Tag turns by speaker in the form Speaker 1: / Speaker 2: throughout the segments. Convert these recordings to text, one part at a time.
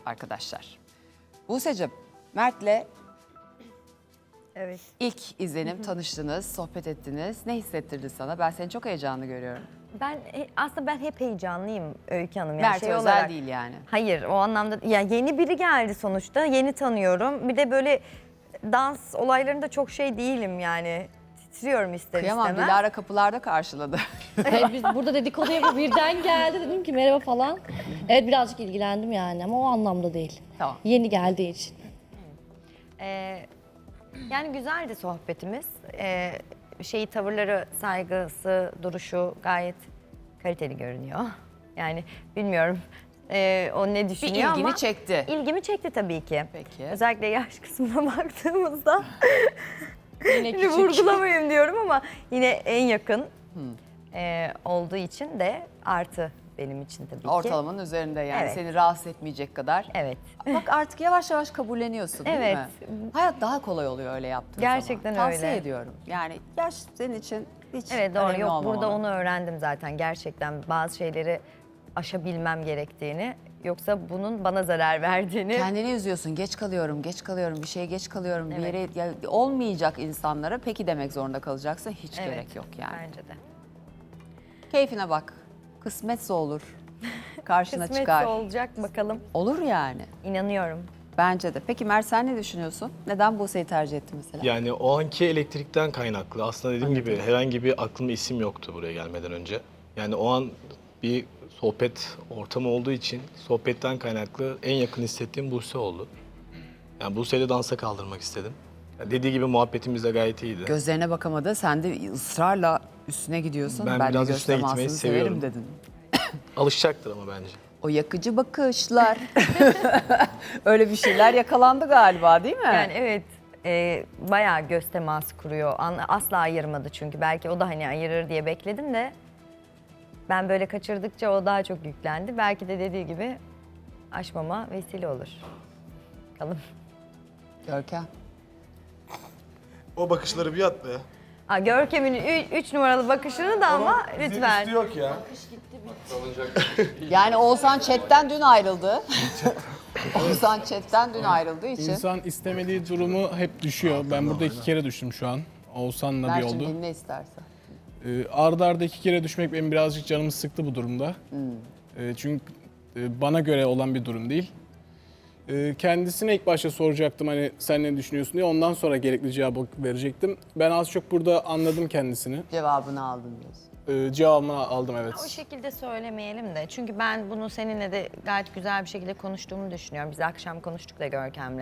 Speaker 1: arkadaşlar. Buse'cim, Mert'le
Speaker 2: Evet.
Speaker 1: ilk izlenim tanıştınız, sohbet ettiniz. Ne hissettirdi sana? Ben seni çok heyecanlı görüyorum.
Speaker 2: Aslında ben hep heyecanlıyım Öykü Hanım. Yani
Speaker 1: Mert özel
Speaker 2: olarak,
Speaker 1: değil yani.
Speaker 2: Hayır, o anlamda ya yeni biri geldi sonuçta. Yeni tanıyorum. Bir de böyle dans olaylarında çok şey değilim yani. Titriyorum ister
Speaker 1: Kıyamam,
Speaker 2: istemez.
Speaker 1: Dilara kapılarda karşıladı.
Speaker 3: Hayır, biz burada dedikodu yapıp birden geldi, dedim ki merhaba falan. Evet, birazcık ilgilendim yani ama o anlamda değil.
Speaker 1: Tamam.
Speaker 3: Yeni geldiği için.
Speaker 2: Yani güzeldi sohbetimiz. Tavırları, saygısı, duruşu gayet kaliteli görünüyor. Yani bilmiyorum o ne
Speaker 1: Bir
Speaker 2: düşünüyor ama.
Speaker 1: ilgini çekti.
Speaker 2: İlgimi çekti tabii ki.
Speaker 1: Peki.
Speaker 2: Özellikle yaş kısmına baktığımızda.
Speaker 3: Yine
Speaker 2: Şimdi
Speaker 3: küçük.
Speaker 2: vurgulamayayım diyorum ama yine en yakın olduğu için de artı benim için tabii ki.
Speaker 1: Ortalamanın üzerinde yani
Speaker 2: Evet.
Speaker 1: seni rahatsız etmeyecek kadar.
Speaker 2: Evet.
Speaker 1: Bak artık yavaş yavaş kabulleniyorsun değil
Speaker 2: Evet.
Speaker 1: mi? Hayat daha kolay oluyor öyle yaptığın
Speaker 2: Gerçekten
Speaker 1: zaman.
Speaker 2: öyle.
Speaker 1: Tavsiye ediyorum. Yani yaş senin için hiç
Speaker 2: Evet doğru.
Speaker 1: önemli
Speaker 2: Yok
Speaker 1: olmamalı.
Speaker 2: burada onu öğrendim zaten. Gerçekten bazı şeyleri aşabilmem gerektiğini. Yoksa bunun bana zarar verdiğini.
Speaker 1: Kendini üzüyorsun. Geç kalıyorum, geç kalıyorum, bir şeye geç kalıyorum. Bir
Speaker 2: Evet.
Speaker 1: yere olmayacak insanlara peki demek zorunda kalacaksın. Hiç
Speaker 2: Evet,
Speaker 1: gerek yok yani.
Speaker 2: Bence de.
Speaker 1: Keyfine bak. Kısmetse olur. Karşına
Speaker 2: Kısmetse
Speaker 1: çıkar.
Speaker 2: olacak bakalım.
Speaker 1: Olur yani.
Speaker 2: İnanıyorum.
Speaker 1: Bence de. Peki Mert sen ne düşünüyorsun? Neden Buse'yi tercih ettin mesela?
Speaker 4: Yani o anki elektrikten kaynaklı. Aslında dediğim gibi herhangi bir aklımda isim yoktu buraya gelmeden önce. Yani o an bir sohbet ortamı olduğu için sohbetten kaynaklı en yakın hissettiğim Buse oldu. Yani Buse'yi de dansa kaldırmak istedim. Yani dediği gibi muhabbetimiz de gayet iyiydi.
Speaker 1: Gözlerine bakamadı. Sen de ısrarla üstüne gidiyorsun.
Speaker 4: Ben
Speaker 1: de
Speaker 4: biraz
Speaker 1: göz
Speaker 4: üstüne gitmeyi
Speaker 1: temasını
Speaker 4: seviyorum.
Speaker 1: dedin.
Speaker 4: Alışacaktır ama bence.
Speaker 1: O yakıcı bakışlar. Öyle bir şeyler yakalandı galiba değil mi?
Speaker 2: Yani evet bayağı göz teması kuruyor. Asla ayırmadı çünkü. Belki o da hani ayırır diye bekledim de ben böyle kaçırdıkça o daha çok yüklendi. Belki de dediği gibi aşmama vesile olur. Bakalım.
Speaker 1: Görkem.
Speaker 5: O bakışları bir at be.
Speaker 2: Görkem'in 3 numaralı bakışını da ama lütfen.
Speaker 5: Üstü yok ya.
Speaker 1: Yani Oğuzhan chatten dün ayrıldı. Oğuzhan chatten dün ayrıldığı için.
Speaker 6: İnsan istemediği durumu hep düşüyor. Ben burada 2 kere düştüm şu an. Oğuzhan'la bir
Speaker 1: Mert'cim
Speaker 6: oldu.
Speaker 1: dinle istersen.
Speaker 6: Arda arda 2 kere düşmek benim birazcık canımı sıktı bu durumda. Çünkü bana göre olan bir durum değil. Kendisine ilk başta soracaktım hani sen ne düşünüyorsun diye. Ondan sonra gerekli cevabı verecektim. Ben az çok burada anladım kendisini.
Speaker 1: Cevabını aldın diyorsun.
Speaker 6: Cevabını aldım evet.
Speaker 2: O şekilde söylemeyelim de. Çünkü ben bunu seninle de gayet güzel bir şekilde konuştuğumu düşünüyorum. Biz akşam konuştuk da Görkem'le.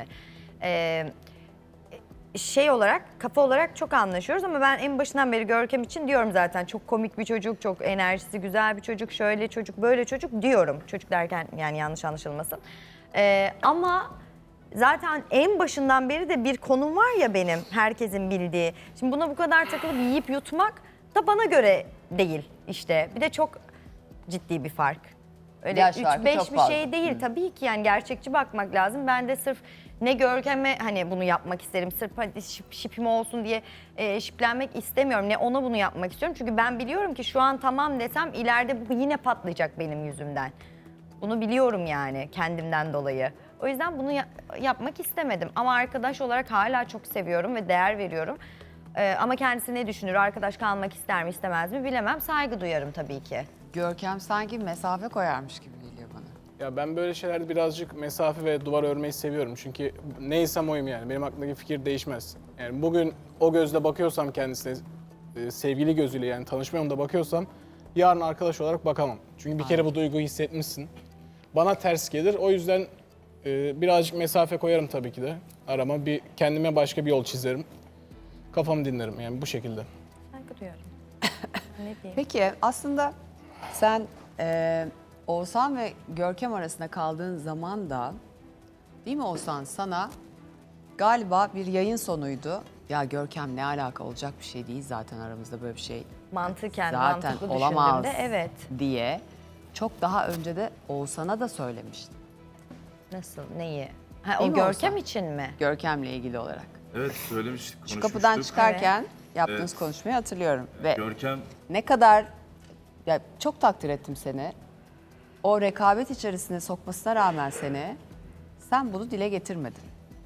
Speaker 2: Olarak, kafa olarak çok anlaşıyoruz ama ben en başından beri Görkem için diyorum zaten. Çok komik bir çocuk, çok enerjisi güzel bir çocuk, şöyle çocuk, böyle çocuk diyorum. Çocuk derken yani yanlış anlaşılmasın. Ama zaten en başından beri de bir konum var ya benim, herkesin bildiği. Şimdi buna bu kadar takılıp yiyip yutmak da bana göre değil işte. Bir de çok ciddi bir fark. Öyle
Speaker 1: Yaş farkı
Speaker 2: 3-5
Speaker 1: çok
Speaker 2: bir
Speaker 1: fazla.
Speaker 2: şey değil. Tabii ki yani gerçekçi bakmak lazım. Ben de sırf ne Görkem'e hani bunu yapmak isterim. Sırf hadi şipim olsun diye şiplenmek istemiyorum. Ne ona bunu yapmak istiyorum. Çünkü ben biliyorum ki şu an tamam desem ileride bu yine patlayacak benim yüzümden. Bunu biliyorum yani kendimden dolayı. O yüzden bunu yapmak istemedim. Ama arkadaş olarak hala çok seviyorum ve değer veriyorum. Ama kendisi ne düşünür, arkadaş kalmak ister mi istemez mi bilemem. Saygı duyarım tabii ki.
Speaker 1: Görkem sanki mesafe koyarmış gibi geliyor bana.
Speaker 6: Ya ben böyle şeylerde birazcık mesafe ve duvar örmeyi seviyorum. Çünkü neysem oyum yani. Benim aklımdaki fikir değişmez. Yani bugün o gözle bakıyorsam kendisine, sevgili gözüyle yani tanışma yolunda bakıyorsam yarın arkadaş olarak bakamam. Çünkü bir kere bu duyguyu hissetmişsin. Bana ters gelir. O yüzden birazcık mesafe koyarım tabii ki de. Arama kendime başka bir yol çizerim. Kafamı dinlerim yani bu şekilde.
Speaker 2: Saygı duyarım. Ne diyeyim?
Speaker 1: Peki aslında sen Oğuzhan ve Görkem arasında kaldığın zaman da değil mi Oğuzhan sana galiba bir yayın sonuydu. Ya Görkem ne alaka olacak bir şey değil zaten aramızda böyle bir şey
Speaker 2: Mantıken,
Speaker 1: zaten
Speaker 2: mantıklı
Speaker 1: olamaz
Speaker 2: düşündüğümde evet.
Speaker 1: diye çok daha önce de Oğuzhan'a da söylemiştin.
Speaker 2: Nasıl, neyi? Ha,
Speaker 1: Değil
Speaker 2: o
Speaker 1: mi
Speaker 2: Görkem
Speaker 1: Oğuzhan?
Speaker 2: için mi?
Speaker 1: Görkem'le ilgili olarak.
Speaker 5: Evet söylemiştik,
Speaker 1: Şu
Speaker 5: konuşmuştuk.
Speaker 1: kapıdan çıkarken yaptığınız
Speaker 5: Evet.
Speaker 1: konuşmayı hatırlıyorum. Ve
Speaker 5: Görkem
Speaker 1: ne kadar ya çok takdir ettim seni. O rekabet içerisine sokmasına rağmen seni Sen bunu dile getirmedin.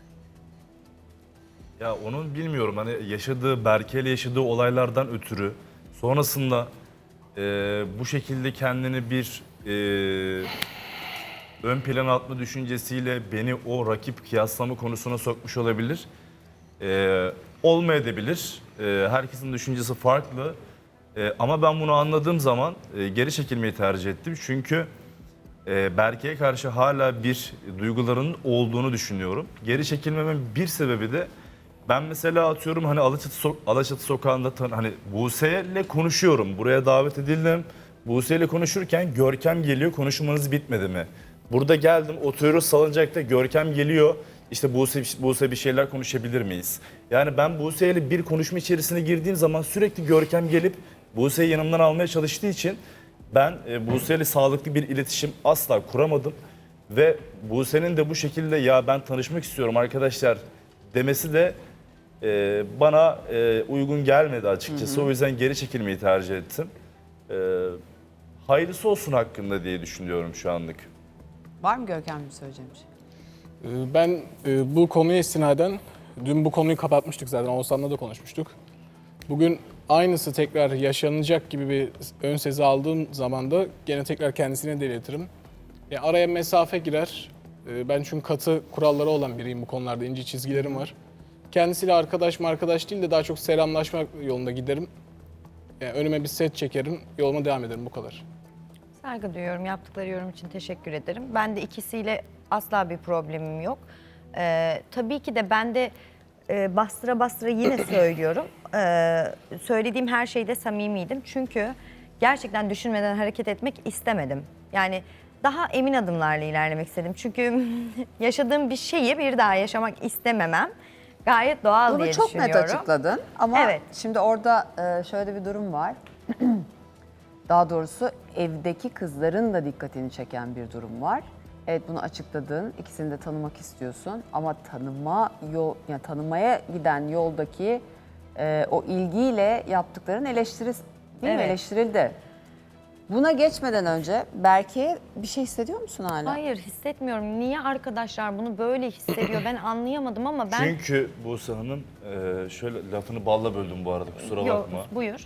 Speaker 5: Ya onun bilmiyorum hani yaşadığı, Berke'yle yaşadığı olaylardan ötürü sonrasında bu şekilde kendini bir ön plana atma düşüncesiyle beni o rakip kıyaslama konusuna sokmuş olabilir. Olmayabilir. Herkesin düşüncesi farklı. Ama ben bunu anladığım zaman geri çekilmeyi tercih ettim. Çünkü Berke'ye karşı hala bir duygularının olduğunu düşünüyorum. Geri çekilmemin bir sebebi de ben mesela atıyorum hani Alaçatı sokağında hani Buse'yle konuşuyorum. Buraya davet edildim. Buse'yle konuşurken Görkem geliyor, konuşmanız bitmedi mi? Burada geldim, oturuyoruz salıncakta, Görkem geliyor. İşte Buse bir şeyler konuşabilir miyiz? Yani ben Buse'yle bir konuşma içerisine girdiğim zaman sürekli Görkem gelip Buse'yi yanımdan almaya çalıştığı için ben Buse'yle sağlıklı bir iletişim asla kuramadım. Ve Buse'nin de bu şekilde ya ben tanışmak istiyorum arkadaşlar demesi de bana uygun gelmedi açıkçası. O yüzden geri çekilmeyi tercih ettim. Hayırlısı olsun hakkında diye düşünüyorum şu anlık.
Speaker 1: Var mı Görkem'in söyleyeceğim bir şey?
Speaker 6: Ben bu konuya istinaden, dün bu konuyu kapatmıştık zaten, Oğuzhan'la da konuşmuştuk. Bugün aynısı tekrar yaşanacak gibi bir ön sezi aldığım zaman da gene tekrar kendisine de iletirim. Araya mesafe girer. Ben çünkü katı kuralları olan biriyim bu konularda, ince çizgilerim var. Kendisiyle arkadaş değil de daha çok selamlaşma yolunda giderim. Önüme bir set çekerim, yoluma devam ederim, bu kadar.
Speaker 2: Saygı duyuyorum. Yaptıkları yorum için teşekkür ederim. Ben de ikisiyle asla bir problemim yok. Tabii ki de ben de bastıra bastıra yine söylüyorum. Söylediğim her şeyde samimiydim. Çünkü gerçekten düşünmeden hareket etmek istemedim. Yani daha emin adımlarla ilerlemek istedim. Çünkü yaşadığım bir şeyi bir daha yaşamak istememem gayet doğal
Speaker 1: Bunu
Speaker 2: diye
Speaker 1: çok
Speaker 2: düşünüyorum.
Speaker 1: net açıkladın ama
Speaker 2: Evet.
Speaker 1: şimdi orada şöyle bir durum var. Daha doğrusu evdeki kızların da dikkatini çeken bir durum var. Evet, bunu açıkladın, ikisini de tanımak istiyorsun ama tanımaya giden yoldaki o ilgiyle yaptıkların değil mi?
Speaker 2: Evet.
Speaker 1: Eleştirildi. Buna geçmeden önce Berke'ye bir şey hissediyor musun hala?
Speaker 2: Hayır, hissetmiyorum. Niye arkadaşlar bunu böyle hissediyor? Ben anlayamadım ama ben...
Speaker 5: Çünkü Buse Hanım şöyle lafını balla böldüm bu arada kusura
Speaker 2: Yok,
Speaker 5: bakma.
Speaker 2: buyur.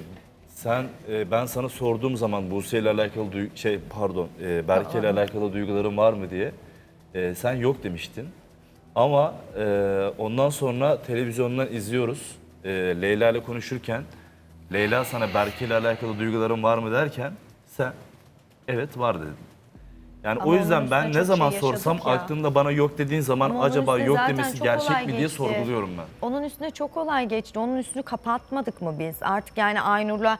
Speaker 5: Ben sana sorduğum zaman Buse ile alakalı Berke ile alakalı duyguların var mı diye sen yok demiştin. Ama ondan sonra televizyondan izliyoruz. Leyla ile konuşurken Leyla sana Berke ile alakalı duyguların var mı derken sen evet var dedin. Yani
Speaker 2: Ama
Speaker 5: o yüzden
Speaker 2: onun
Speaker 5: ben
Speaker 2: üstüne
Speaker 5: ne
Speaker 2: çok
Speaker 5: zaman
Speaker 2: şey
Speaker 5: sorsam
Speaker 2: yaşadık ya.
Speaker 5: aklımda bana yok dediğin zaman
Speaker 2: Ama onun
Speaker 5: acaba
Speaker 2: üstüne
Speaker 5: yok
Speaker 2: zaten
Speaker 5: demesi
Speaker 2: çok
Speaker 5: gerçek
Speaker 2: olay
Speaker 5: mi diye
Speaker 2: geçti.
Speaker 5: sorguluyorum ben.
Speaker 2: Onun üstüne çok olay geçti. Onun üstünü kapatmadık mı biz? Artık yani Aynur'la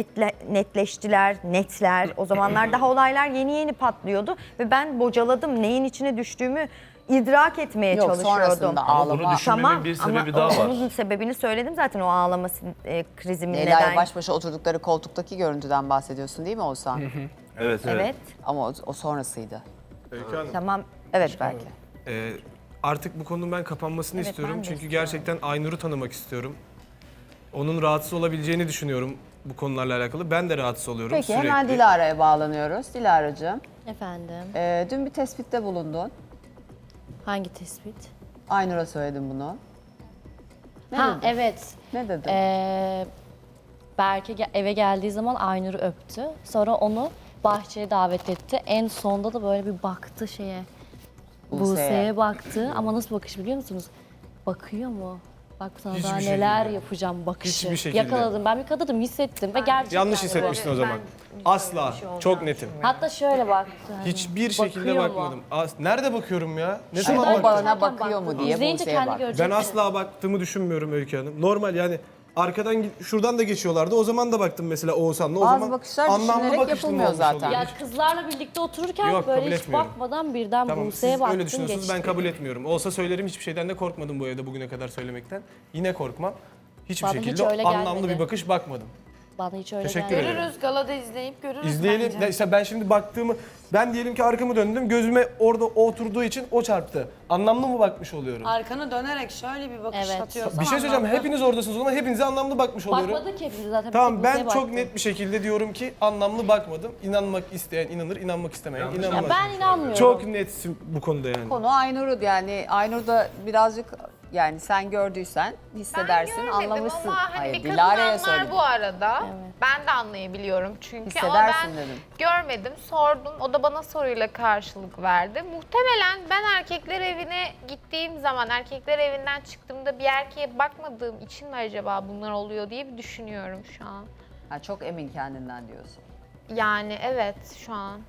Speaker 2: netler. O zamanlar daha olaylar yeni patlıyordu. Ve ben bocaladım. Neyin içine düştüğümü idrak etmeye
Speaker 1: Yok,
Speaker 2: çalışıyordum.
Speaker 1: sonrasında
Speaker 5: Ama bunu
Speaker 1: ağlama.
Speaker 5: düşünmemin bir sebebi daha var.
Speaker 2: Onun sebebini söyledim zaten, o ağlama krizimin
Speaker 1: Leyla'yla
Speaker 2: neden.
Speaker 1: baş başa oturdukları koltuktaki görüntüden bahsediyorsun değil mi Oğuzhan?
Speaker 5: Evet.
Speaker 2: Evet.
Speaker 1: Ama o sonrasıydı.
Speaker 2: Tamam.
Speaker 1: Evet belki.
Speaker 7: Artık bu konunun ben kapanmasını
Speaker 2: Evet,
Speaker 7: istiyorum.
Speaker 2: ben de
Speaker 7: Çünkü
Speaker 2: istiyorum.
Speaker 7: gerçekten Aynur'u tanımak istiyorum. Onun rahatsız olabileceğini düşünüyorum bu konularla alakalı. Ben de rahatsız oluyorum
Speaker 1: Peki
Speaker 7: sürekli.
Speaker 1: hemen Dilara'ya bağlanıyoruz. Dilara'cığım,
Speaker 3: Efendim,
Speaker 1: dün bir tespitte bulundun.
Speaker 3: hangi tespit?
Speaker 1: Aynur'a söyledim bunu. Ne
Speaker 3: Ha
Speaker 1: dedin?
Speaker 3: evet.
Speaker 1: Ne dedin?
Speaker 3: Berke eve geldiği zaman Aynur'u öptü. Sonra onu bahçeye davet etti. En sonda da böyle bir baktı şeye. Buse'ye baktı ama nasıl bakış biliyor musunuz? Bakıyor mu? Bak sana
Speaker 7: Hiçbir
Speaker 3: daha
Speaker 7: şekilde.
Speaker 3: neler yapacağım bakışı.
Speaker 7: Hiçbir şekilde.
Speaker 3: Yakaladım. Ben bir kadınım, hissettim ve gerçekten
Speaker 7: Yanlış
Speaker 3: de
Speaker 7: hissetmiştin o zaman.
Speaker 2: Ben-
Speaker 7: Asla.
Speaker 2: bir şey olacağını
Speaker 7: Çok netim.
Speaker 3: Hatta şöyle baktı. hani,
Speaker 7: Hiçbir şekilde
Speaker 3: bakıyor mu?
Speaker 7: bakmadım. Nerede bakıyorum ya? Ne
Speaker 3: Şuradan
Speaker 7: zaman
Speaker 1: o
Speaker 7: baktım?
Speaker 1: bana
Speaker 3: bakarken
Speaker 1: bakıyor mu
Speaker 3: baktı.
Speaker 1: diye
Speaker 3: İzleyince
Speaker 1: Buse'ye
Speaker 3: kendi
Speaker 1: baktı.
Speaker 3: göreceksin.
Speaker 7: Ben asla baktığımı düşünmüyorum Öykü Hanım. Normal yani arkadan şuradan da geçiyorlardı. O zaman da baktım mesela Oğuzhan'la. O
Speaker 1: Bazı
Speaker 7: zaman
Speaker 1: bakışlar
Speaker 7: anlamlı
Speaker 1: düşünülerek
Speaker 7: bakışlı mı
Speaker 1: yapılmıyor
Speaker 7: olmuş
Speaker 1: zaten.
Speaker 7: oluyor?
Speaker 3: Ya kızlarla birlikte otururken
Speaker 7: Yok,
Speaker 3: böyle
Speaker 7: kabul
Speaker 3: hiç
Speaker 7: etmiyorum.
Speaker 3: bakmadan birden
Speaker 7: Tamam,
Speaker 3: Buse'ye
Speaker 7: siz
Speaker 3: baktım
Speaker 7: öyle düşünüyorsunuz,
Speaker 3: geçti.
Speaker 7: ben kabul etmiyorum. Olsa söylerim, hiçbir şeyden de korkmadım bu evde bugüne kadar söylemekten. Yine korkmam. Hiçbir
Speaker 3: Bana hiç
Speaker 7: şekilde
Speaker 3: öyle
Speaker 7: anlamlı
Speaker 3: gelmedi.
Speaker 7: bir bakış bakmadım.
Speaker 3: Bana hiç öyle
Speaker 7: Teşekkür
Speaker 3: gelmedi.
Speaker 7: ederim.
Speaker 8: Görürüz, galada izleyip görürüz
Speaker 7: İzleyelim.
Speaker 8: bence.
Speaker 7: İşte ben şimdi baktığımı
Speaker 8: Ben diyelim ki arkamı döndüm, gözüme orada oturduğu için o çarptı. Anlamlı mı bakmış oluyorum?
Speaker 9: Arkanı dönerek şöyle bir bakış
Speaker 3: Evet.
Speaker 9: atıyorsan
Speaker 8: Bir şey söyleyeceğim,
Speaker 9: anlamlı.
Speaker 8: hepiniz oradasınız o zaman hepinize anlamlı bakmış oluyorum.
Speaker 3: Bakmadık hepimiz zaten.
Speaker 8: Tamam
Speaker 3: bir tek
Speaker 8: ben
Speaker 3: Buse'ye
Speaker 8: çok
Speaker 3: baktım.
Speaker 8: net bir şekilde diyorum ki anlamlı bakmadım. İnanmak isteyen inanır, inanmak istemeyen inanmaz.
Speaker 3: Ya ben inanmıyorum.
Speaker 8: Çok netsin bu konuda yani.
Speaker 1: Konu Aynur'u yani Aynur da birazcık yani sen gördüysen hissedersin,
Speaker 10: Ben görmedim
Speaker 1: anlamışsın.
Speaker 10: ama hani
Speaker 1: Hayır,
Speaker 10: bir kadın
Speaker 1: Dilara'ya
Speaker 10: anlar
Speaker 1: söyledim.
Speaker 10: bu arada. Ben de anlayabiliyorum çünkü ama
Speaker 1: Hissedersin
Speaker 10: ben
Speaker 1: dedim.
Speaker 10: görmedim, sordum. O da bana soruyla karşılık verdi. Muhtemelen ben erkekler evine gittiğim zaman, erkekler evinden çıktığımda bir erkeğe bakmadığım için mi acaba bunlar oluyor diye bir düşünüyorum şu an.
Speaker 1: Ha, çok emin kendinden diyorsun.
Speaker 10: Yani evet şu an.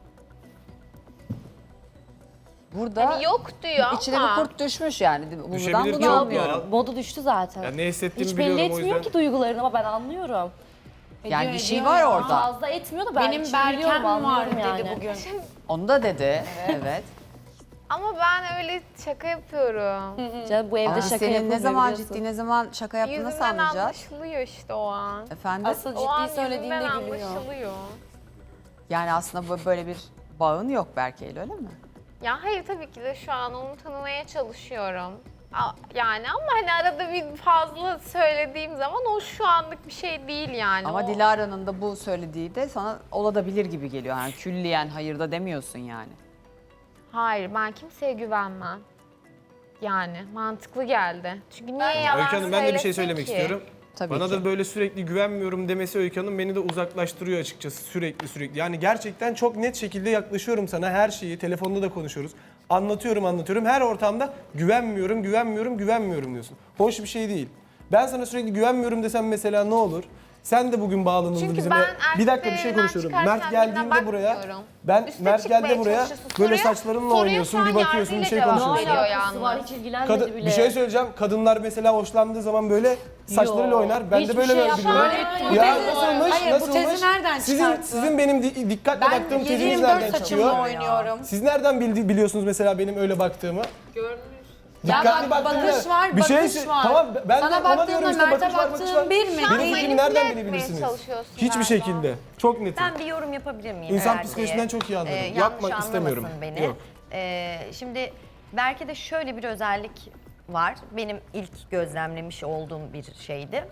Speaker 1: Burada
Speaker 10: Hani yok diyor
Speaker 1: içine
Speaker 10: ama.
Speaker 1: bir kurt düşmüş yani. Buradan
Speaker 7: Düşebilir
Speaker 1: bunu
Speaker 7: çok
Speaker 1: anlıyorum.
Speaker 7: ya.
Speaker 3: Modu düştü zaten.
Speaker 7: Ya ne hissettiğimi
Speaker 3: Hiç belli
Speaker 7: biliyorum o
Speaker 3: etmiyor
Speaker 7: yüzden.
Speaker 3: ki duygularını ama ben anlıyorum.
Speaker 1: Yani bir şey
Speaker 9: ediyor
Speaker 1: var
Speaker 9: ya.
Speaker 1: orada.
Speaker 3: Fazla etmiyor da ben
Speaker 9: Benim
Speaker 3: içini biliyorum,
Speaker 9: Berkem var
Speaker 3: anlıyorum
Speaker 9: dedi
Speaker 3: yani.
Speaker 9: bugün.
Speaker 1: Onu da dedi. Evet.
Speaker 10: Ama ben öyle şaka yapıyorum.
Speaker 3: Canım bu evde
Speaker 1: Ama
Speaker 3: şaka
Speaker 1: senin
Speaker 3: yapılmıyor
Speaker 1: ne zaman
Speaker 3: biliyorsun.
Speaker 1: ciddi ne zaman şaka yaptığını nasıl
Speaker 10: Yüzümden
Speaker 1: anlayacağız?
Speaker 10: anlaşılıyor işte o an.
Speaker 1: Efendim?
Speaker 9: Asıl
Speaker 10: O an
Speaker 9: ciddi söylediğinde
Speaker 10: yüzümden
Speaker 9: gülüyor.
Speaker 10: anlaşılıyor.
Speaker 1: Yani aslında böyle bir bağın yok Berke'yle öyle mi?
Speaker 10: Ya hayır tabii ki de şu an onu tanımaya çalışıyorum. Yani ama hani arada bir fazla söylediğim zaman o şu anlık bir şey değil yani.
Speaker 1: Ama
Speaker 10: O-
Speaker 1: Dilara'nın da bu söylediği de sana olabilir gibi geliyor. Yani külliyen hayır da demiyorsun yani.
Speaker 10: Hayır ben kimseye güvenmem. Yani mantıklı geldi. Çünkü niye yalan
Speaker 7: Öykü Hanım ben de bir şey
Speaker 10: söylesin
Speaker 7: söylemek
Speaker 10: ki?
Speaker 7: istiyorum.
Speaker 1: Tabii
Speaker 7: Bana
Speaker 1: ki.
Speaker 7: da böyle sürekli güvenmiyorum demesi Öykü Hanım beni de uzaklaştırıyor açıkçası sürekli.
Speaker 8: Yani gerçekten çok net şekilde yaklaşıyorum sana her şeyi. Telefonda da konuşuyoruz. Anlatıyorum. Her ortamda güvenmiyorum diyorsun. Hoş bir şey değil. Ben sana sürekli güvenmiyorum desem mesela ne olur? Sen de bugün bağlanıldın
Speaker 10: Çünkü
Speaker 8: bizimle.
Speaker 10: ben
Speaker 8: Bir dakika bir şey
Speaker 10: erkeklerin
Speaker 8: konuşuyorum.
Speaker 10: çıkarken
Speaker 8: Mert geldiğinde
Speaker 10: birine
Speaker 8: buraya
Speaker 10: bakmıyorum.
Speaker 8: ben
Speaker 10: Üste
Speaker 8: Mert
Speaker 10: çıkmaya
Speaker 8: geldi buraya
Speaker 10: çalışıyorsun.
Speaker 8: böyle
Speaker 10: Soruya-
Speaker 8: saçlarınla
Speaker 10: soruya
Speaker 8: oynuyorsun,
Speaker 10: şu
Speaker 8: bir
Speaker 10: an
Speaker 8: bakıyorsun, bir
Speaker 10: yargıyla
Speaker 8: şey
Speaker 10: cevap
Speaker 8: konuşuyorsun.
Speaker 10: veriyor
Speaker 3: Alakası var,
Speaker 10: yalnız.
Speaker 3: hiç ilgilenmedi bile.
Speaker 8: Bir şey söyleyeceğim. Kadınlar mesela hoşlandığı zaman böyle saçlarıyla oynar. Ben de
Speaker 3: hiçbir
Speaker 8: böyle
Speaker 3: şey
Speaker 8: böyle
Speaker 3: yapmam.
Speaker 8: biliyorum. Ya nasılmış?
Speaker 9: Hayır, bu tezi nereden çıkarttın?
Speaker 8: Sizin benim dikkatle
Speaker 9: Ben
Speaker 8: baktığım teziniz
Speaker 9: 7/24
Speaker 8: nereden
Speaker 9: saçımla
Speaker 8: çıkıyor?
Speaker 9: oynuyorum.
Speaker 8: Siz nereden biliyorsunuz mesela benim öyle baktığımı?
Speaker 9: Ya
Speaker 8: Dikkatli
Speaker 9: bak,
Speaker 8: baktığımda-
Speaker 9: bakış var,
Speaker 8: bir şey
Speaker 9: bakış var.
Speaker 8: Tamam ben
Speaker 9: Sana
Speaker 8: de ona
Speaker 9: baktığımda
Speaker 8: diyorum işte
Speaker 9: Mert'e
Speaker 8: bakış var, bakış var.
Speaker 9: baktığın bir mi?
Speaker 8: Benim
Speaker 10: Manipüle
Speaker 8: fikrimi nereden
Speaker 10: etmeye
Speaker 8: bilebilirsiniz?
Speaker 10: çalışıyorsun
Speaker 8: Hiçbir
Speaker 10: galiba.
Speaker 8: şekilde. Çok netim.
Speaker 2: Ben bir yorum yapabilir miyim?
Speaker 8: İnsan
Speaker 2: eğer
Speaker 8: psikolojisinden
Speaker 2: diye?
Speaker 8: çok iyi anlarım.
Speaker 2: Yanlış
Speaker 8: Yapmak
Speaker 2: anlamasın
Speaker 8: istemiyorum.
Speaker 2: beni.
Speaker 8: Yok.
Speaker 2: Şimdi Berke'de şöyle bir özellik var. Benim ilk gözlemlemiş olduğum bir şeydi.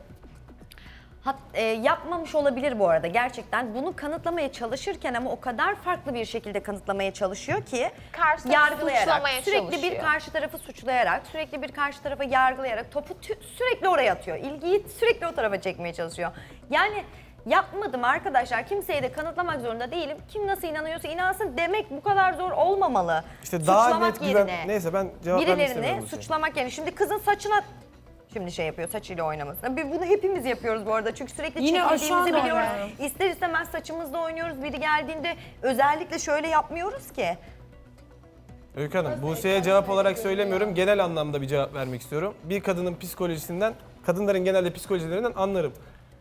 Speaker 2: Yapmamış olabilir bu arada gerçekten. Bunu kanıtlamaya çalışırken ama o kadar farklı bir şekilde kanıtlamaya çalışıyor ki
Speaker 10: Karşı tarafı suçlamaya
Speaker 2: sürekli bir
Speaker 10: çalışıyor.
Speaker 2: karşı tarafı suçlayarak, sürekli bir karşı tarafı yargılayarak topu sürekli oraya atıyor. İlgiyi sürekli o tarafa çekmeye çalışıyor. Yani yapmadım arkadaşlar. Kimseye de kanıtlamak zorunda değilim. Kim nasıl inanıyorsa inansın demek bu kadar zor olmamalı.
Speaker 8: İşte daha
Speaker 2: Suçlamak
Speaker 8: net güven...
Speaker 2: yerine
Speaker 8: Neyse ben cevap vermek istemiyorum.
Speaker 2: birilerini
Speaker 8: bu şeye.
Speaker 2: suçlamak yerine. Şimdi kızın saçına şimdi şey yapıyor, saçıyla oynaması. Bunu hepimiz yapıyoruz bu arada. Çünkü sürekli
Speaker 9: Yine o şu an
Speaker 2: çekildiğimizi biliyoruz.
Speaker 9: oynuyorum.
Speaker 2: İster istemez saçımızla oynuyoruz. Biri geldiğinde özellikle şöyle yapmıyoruz ki.
Speaker 8: Öykü Hanım, Buse'ye cevap olarak söylemiyorum. Genel anlamda bir cevap vermek istiyorum. Bir kadının psikolojisinden, kadınların genelde psikolojilerinden anlarım.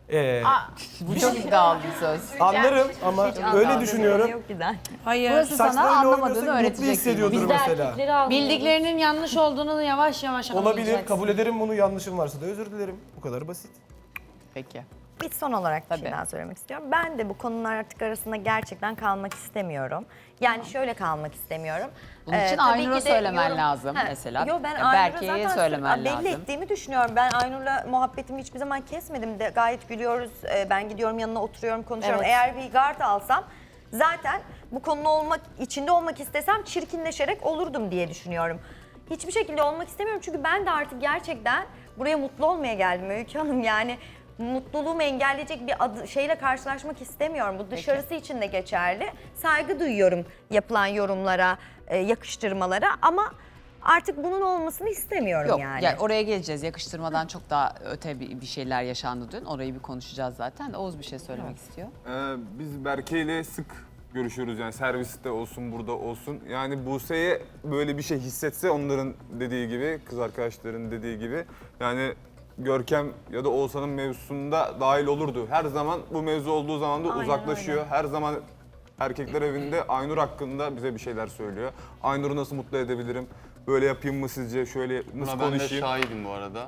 Speaker 1: Bu çok iddialı bir söz.
Speaker 8: Anlarım ama öyle düşünüyorum.
Speaker 2: Yok giden.
Speaker 9: Hayır.
Speaker 1: Burası sana
Speaker 8: Saçlarıyla
Speaker 1: anlamadığını
Speaker 8: oynuyorsa mutlu
Speaker 1: öğretecek.
Speaker 8: hissediyordur
Speaker 3: Biz de
Speaker 8: mesela.
Speaker 3: erkekleri anlıyoruz.
Speaker 9: Bildiklerinin yanlış olduğunu yavaş yavaş
Speaker 8: Olabilir,
Speaker 9: anlayacaksın.
Speaker 8: kabul ederim bunu. Yanlışım varsa da özür dilerim. Bu kadar basit.
Speaker 1: Peki.
Speaker 2: Bir son olarak bir
Speaker 1: Tabii.
Speaker 2: şey daha söylemek istiyorum. Ben de bu konular artık arasında gerçekten kalmak istemiyorum. Yani şöyle kalmak istemiyorum.
Speaker 1: Bunun için
Speaker 2: Tabii
Speaker 1: Aynur'a
Speaker 2: ki de
Speaker 1: söylemen lazım mesela.
Speaker 2: Yo ben
Speaker 1: Ya
Speaker 2: Aynur'a
Speaker 1: Berke'ye
Speaker 2: zaten
Speaker 1: söylemen
Speaker 2: belli
Speaker 1: lazım.
Speaker 2: ettiğimi düşünüyorum. Ben Aynur'la muhabbetimi hiçbir zaman kesmedim de gayet gülüyoruz. Ben gidiyorum yanına oturuyorum konuşuyorum.
Speaker 3: Evet.
Speaker 2: Eğer bir gard alsam zaten bu konunun içinde olmak istesem çirkinleşerek olurdum diye düşünüyorum. Hiçbir şekilde olmak istemiyorum çünkü ben de artık gerçekten buraya mutlu olmaya geldim Öykü Hanım. Yani mutluluğumu engelleyecek bir şeyle karşılaşmak istemiyorum. Bu dışarısı için de geçerli. Saygı duyuyorum yapılan yorumlara, yakıştırmalara ama artık bunun olmasını istemiyorum
Speaker 1: Yok
Speaker 2: yani.
Speaker 1: yani oraya geleceğiz. Yakıştırmadan çok daha öte bir şeyler yaşandı dün. Orayı bir konuşacağız zaten. Oğuz bir şey söylemek istiyor.
Speaker 11: Biz Berke ile sık görüşüyoruz yani serviste olsun burada olsun. Yani Buse'ye böyle bir şey hissetse onların dediği gibi, kız arkadaşların dediği gibi yani Görkem ya da Oğuzhan'ın mevzusunda dahil olurdu. Her zaman bu mevzu olduğu zaman da
Speaker 2: Aynen
Speaker 11: uzaklaşıyor.
Speaker 2: öyle.
Speaker 11: Her zaman Erkekler evinde Aynur hakkında bize bir şeyler söylüyor. Aynur'u nasıl mutlu edebilirim? Böyle yapayım mı sizce? Şöyle nasıl
Speaker 12: Buna ben de
Speaker 11: konuşayım?
Speaker 12: şahidim bu arada.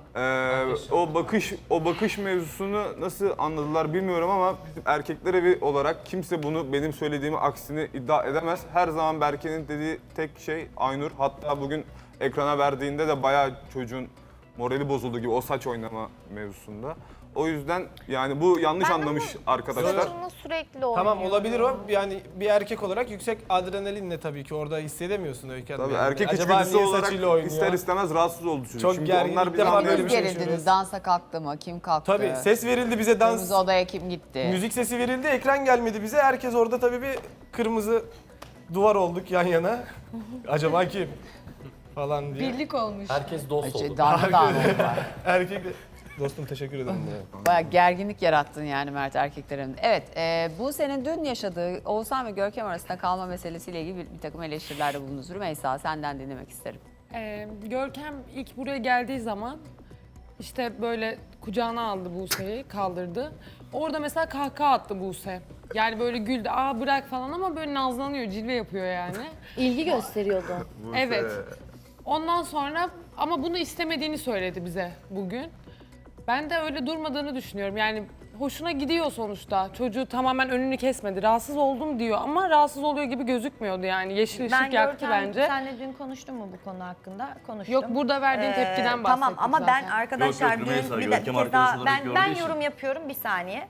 Speaker 11: O bakış mevzusunu nasıl anladılar bilmiyorum ama bizim erkekler evi olarak kimse bunu benim söylediğimi aksini iddia edemez. Her zaman Berke'nin dediği tek şey Aynur. Hatta bugün ekrana verdiğinde de bayağı çocuğun morali bozuldu gibi o saç oynama mevzusunda. O yüzden yani bu yanlış
Speaker 10: Ben
Speaker 11: anlamış
Speaker 10: ama
Speaker 11: arkadaşlar.
Speaker 10: saçımla sürekli oynuyorum.
Speaker 8: Tamam olabilir o. Yani bir erkek olarak yüksek adrenalinle tabii ki orada hissedemiyorsun Öykü Hanım.
Speaker 11: Tabii
Speaker 8: Yani.
Speaker 11: erkek
Speaker 8: Acaba
Speaker 11: içgüdüsü
Speaker 8: niye
Speaker 11: olarak
Speaker 8: saçıyla oynuyor?
Speaker 11: ister istemez rahatsız oldu çocuk.
Speaker 8: Çok
Speaker 11: Çünkü
Speaker 8: gergin,
Speaker 11: onlar
Speaker 8: ilk
Speaker 11: bizi
Speaker 8: defa
Speaker 11: anlıyor.
Speaker 8: böyle bir şey
Speaker 1: Gerildiniz,
Speaker 8: yaşıyoruz.
Speaker 1: dansa kalktı mı? Kim kalktı?
Speaker 8: Tabii ses verildi bize dans.
Speaker 1: Kırmızı odaya kim gitti?
Speaker 8: Müzik sesi verildi, ekran gelmedi bize. Herkes orada tabii bir kırmızı duvar olduk yan yana. Acaba kim? Falan diye.
Speaker 9: Birlik olmuş.
Speaker 7: Herkes dost oldu.
Speaker 1: Darmadağın oldular.
Speaker 8: Erkek Dostum teşekkür ederim.
Speaker 1: Bayağı gerginlik yarattın yani Mert erkeklerin. Evet, bu senin dün yaşadığı Oğuzhan ve Görkem arasında kalma meselesiyle ilgili bir takım eleştirilerde bulundunuz. Rümeysa senden dinlemek isterim.
Speaker 9: Görkem ilk buraya geldiği zaman işte böyle kucağına aldı Buse'yi, kaldırdı. Orada mesela kahkaha attı Buse. Yani böyle güldü, aa bırak falan ama böyle nazlanıyor, cilve yapıyor yani.
Speaker 3: İlgi gösteriyordu.
Speaker 9: Evet. Ondan sonra ama bunu istemediğini söyledi bize bugün. Ben de öyle durmadığını düşünüyorum. Yani hoşuna gidiyor sonuçta. Çocuğu tamamen önünü kesmedi. Rahatsız oldum diyor ama rahatsız oluyor gibi gözükmüyordu yani. Yeşil ışık yaktı bence.
Speaker 2: Senle dün konuştun mu bu konu hakkında? Konuştum.
Speaker 9: Yok, burada verdiğin tepkiden bahsettik
Speaker 2: Tamam ama ben
Speaker 9: zaten.
Speaker 2: arkadaşlar
Speaker 5: Yok, Rümeysa,
Speaker 2: dün bir
Speaker 5: Görkem
Speaker 2: kez daha
Speaker 5: arkadaş olarak
Speaker 2: ben
Speaker 5: gördüğü için.
Speaker 2: yorum yapıyorum bir saniye.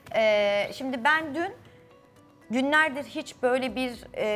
Speaker 2: Şimdi ben dün günlerdir hiç böyle bir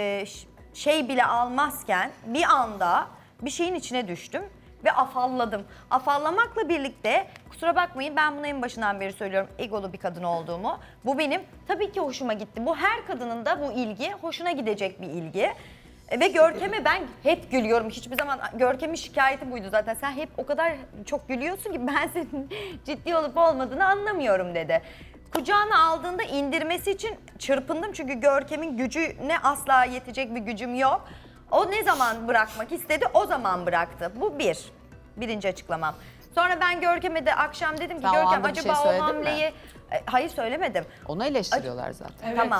Speaker 2: şey bile almazken bir anda bir şeyin içine düştüm ve afalladım. Afallamakla birlikte kusura bakmayın ben bunu en başından beri söylüyorum egolu bir kadın olduğumu. Bu benim tabii ki hoşuma gitti. Bu her kadının da bu ilgi hoşuna gidecek bir ilgi. Ve Görkem'e ben hep gülüyorum. Hiçbir zaman Görkem'in şikayeti buydu zaten. Sen hep o kadar çok gülüyorsun ki ben senin ciddi olup olmadığını anlamıyorum dedi. Kucağına aldığında indirmesi için çırpındım çünkü Görkem'in gücüne asla yetecek bir gücüm yok. O ne zaman bırakmak istedi o zaman bıraktı. Bu birinci açıklamam. Sonra ben Görkem'e de akşam dedim ki
Speaker 1: Sen o
Speaker 2: Görkem
Speaker 1: anda bir şey
Speaker 2: acaba o
Speaker 1: söyledin mi?
Speaker 2: hamleyi... Hayır söylemedim.
Speaker 1: Onu eleştiriyorlar zaten.
Speaker 2: Tamam.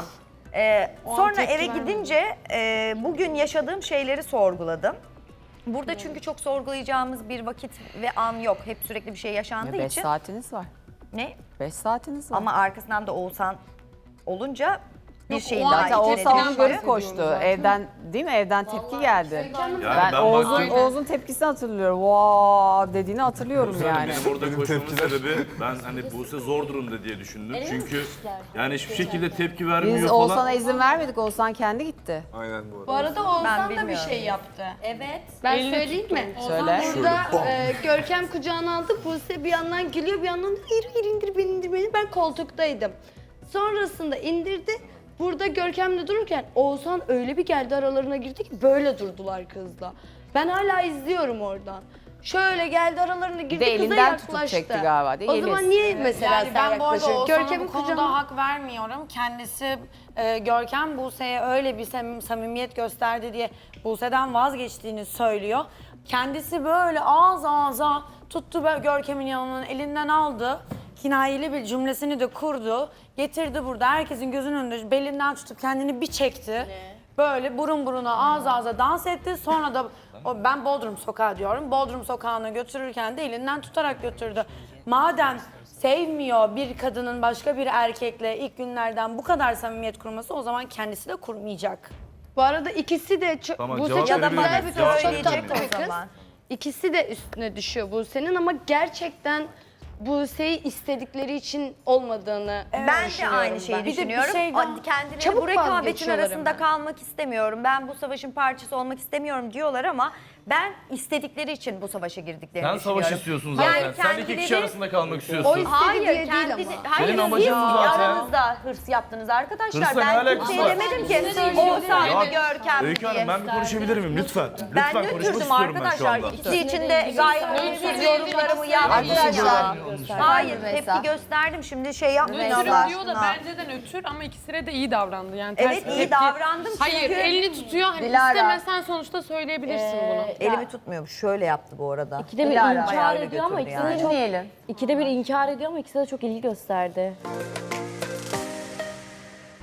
Speaker 9: O an
Speaker 2: Sonra
Speaker 9: tepki
Speaker 2: eve
Speaker 9: vermedim.
Speaker 2: gidince bugün yaşadığım şeyleri sorguladım. Burada çünkü çok sorgulayacağımız bir vakit ve an yok. Hep sürekli bir şey yaşandığı
Speaker 1: 5
Speaker 2: için.
Speaker 1: saatiniz var.
Speaker 2: Ne?
Speaker 1: 5 saatiniz var.
Speaker 2: Ama arkasından da Oğuzhan olunca bir
Speaker 9: Yok,
Speaker 2: şeyin
Speaker 9: o
Speaker 2: daha
Speaker 9: an
Speaker 1: Zaten
Speaker 2: içine
Speaker 1: Oğuzhan onu
Speaker 9: tepkiden
Speaker 1: görüp
Speaker 9: bahsediyorum
Speaker 1: koştu.
Speaker 9: zaten.
Speaker 1: Evden değil mi? Evden tepki geldi.
Speaker 5: Yani
Speaker 1: Ben Oğuz'un tepkisini hatırlıyorum. Vaa dediğini hatırlıyorum yani.
Speaker 5: Benim orada koşmamın sebebi ben hani Buse zor durumda diye düşündüm. Çünkü yani hiçbir şekilde tepki vermiyor
Speaker 1: Biz
Speaker 5: falan.
Speaker 1: Oğuzhan'a izin vermedik. Oğuzhan kendi gitti.
Speaker 11: Aynen bu arada.
Speaker 9: Bu arada Oğuzhan da bir
Speaker 2: bilmiyorum.
Speaker 9: şey yaptı.
Speaker 3: Evet.
Speaker 9: Ben söyleyeyim mi?
Speaker 1: Söyle.
Speaker 13: Burada Görkem kucağına aldı. Buse bir yandan gülüyor, bir yandan da hayır indir beni. Ben koltuktaydım. Sonrasında indirdi. Burada Görkem'le dururken Oğuzhan öyle bir geldi aralarına girdi ki böyle durdular kızla. Ben hala izliyorum oradan. Şöyle geldi aralarına girdi,
Speaker 1: De
Speaker 13: kıza
Speaker 1: elinden tutup
Speaker 13: yaklaştı.
Speaker 1: çekti galiba, değil
Speaker 13: O
Speaker 1: mi?
Speaker 13: zaman
Speaker 1: Yeliz.
Speaker 13: niye mesela
Speaker 9: Yani
Speaker 13: sen
Speaker 9: ben bu arada
Speaker 13: yaklaşıyorsun?
Speaker 9: Oğuzhan'a
Speaker 13: Görkem'in
Speaker 9: bu konuda
Speaker 13: kucağına...
Speaker 9: hak vermiyorum. Kendisi Görkem Buse'ye öyle bir samimiyet gösterdi diye Buse'den vazgeçtiğini söylüyor. Kendisi böyle ağız ağza tuttu Görkem'in yanından elinden aldı. Kinayeli bir cümlesini de kurdu. Getirdi burada herkesin gözünün önünde belinden tutup kendini bir çekti. Böyle burun buruna ağız ağza dans etti. Sonra da ben Bodrum Sokağı diyorum. Bodrum Sokağı'na götürürken de elinden tutarak götürdü. Madem sevmiyor bir kadının başka bir erkekle ilk günlerden bu kadar samimiyet kurması o zaman kendisi de kurmayacak.
Speaker 13: Bu arada ikisi de çok...
Speaker 5: Tamam,
Speaker 13: Buse
Speaker 5: cevap
Speaker 13: çok
Speaker 5: verebilir
Speaker 13: güzel
Speaker 5: miyim?
Speaker 13: bir
Speaker 5: Cevap
Speaker 13: kız, çok
Speaker 2: verebilir
Speaker 13: tatlı
Speaker 2: miyim?
Speaker 13: bir
Speaker 2: O
Speaker 13: kız.
Speaker 2: zaman.
Speaker 13: İkisi de üstüne düşüyor Buse'nin ama gerçekten Buse'yi istedikleri için olmadığını
Speaker 2: Ben de
Speaker 13: düşünüyorum
Speaker 2: aynı şeyi
Speaker 13: ben.
Speaker 2: düşünüyorum. Kendileri
Speaker 13: Çabuk
Speaker 2: bu rekabetin
Speaker 13: vazgeçiyorlar
Speaker 2: arasında
Speaker 13: hemen.
Speaker 2: kalmak istemiyorum. Ben bu savaşın parçası olmak istemiyorum diyorlar ama ben istedikleri için bu savaşa girdiklerini
Speaker 5: Sen
Speaker 2: düşünüyorum.
Speaker 5: savaş istiyorsun zaten. Sen iki kişi
Speaker 2: kendileri-
Speaker 5: arasında kalmak istiyorsun.
Speaker 13: O istediği
Speaker 2: Hayır,
Speaker 13: diye değil
Speaker 2: kendi,
Speaker 13: ama.
Speaker 2: hayır
Speaker 5: Senin
Speaker 2: siz
Speaker 5: amacın bu zaten.
Speaker 2: aranızda hırs yaptınız arkadaşlar.
Speaker 5: Hırsla ne
Speaker 2: Ben
Speaker 5: alakası
Speaker 2: kimseye
Speaker 5: var?
Speaker 2: demedim ki Oğuzhan
Speaker 5: Ya,
Speaker 2: ve Görkem
Speaker 5: Öykü
Speaker 2: diye.
Speaker 5: Hanım ben bir konuşabilir miyim lütfen?
Speaker 2: Ben
Speaker 5: Lütfen konuşmak
Speaker 2: nötrdüm
Speaker 5: istiyorum ben şu
Speaker 2: arkadaşlar.
Speaker 5: anda.
Speaker 2: İkisi için de gayet olumsuz yorumlarımı yaptım.
Speaker 1: Arkadaşlar.
Speaker 2: Hayır,
Speaker 1: Rümeysa.
Speaker 2: tepki gösterdim. Şimdi şey yapmayın
Speaker 9: Nötrüm
Speaker 2: Allah
Speaker 9: diyor da
Speaker 2: aşkına.
Speaker 9: bence de nötr ama ikisine de iyi davrandı. Yani
Speaker 2: Evet,
Speaker 9: ters
Speaker 2: iyi
Speaker 9: tepki-
Speaker 2: davrandım
Speaker 9: Hayır
Speaker 2: çünkü-
Speaker 9: elini tutuyor hani
Speaker 1: Dilara.
Speaker 9: istemesen sonuçta söyleyebilirsin bunu.
Speaker 2: Elimi tutmuyormuş. Şöyle yaptı bu arada.
Speaker 3: İkide bir
Speaker 2: Dilara
Speaker 3: inkar
Speaker 2: ayağıyla
Speaker 3: ediyor ama
Speaker 2: götürdü
Speaker 3: ikisi de
Speaker 2: yani.
Speaker 3: çok...
Speaker 1: Dinleyelim.
Speaker 3: İkide bir inkar ediyor ama ikisi de çok ilgi gösterdi.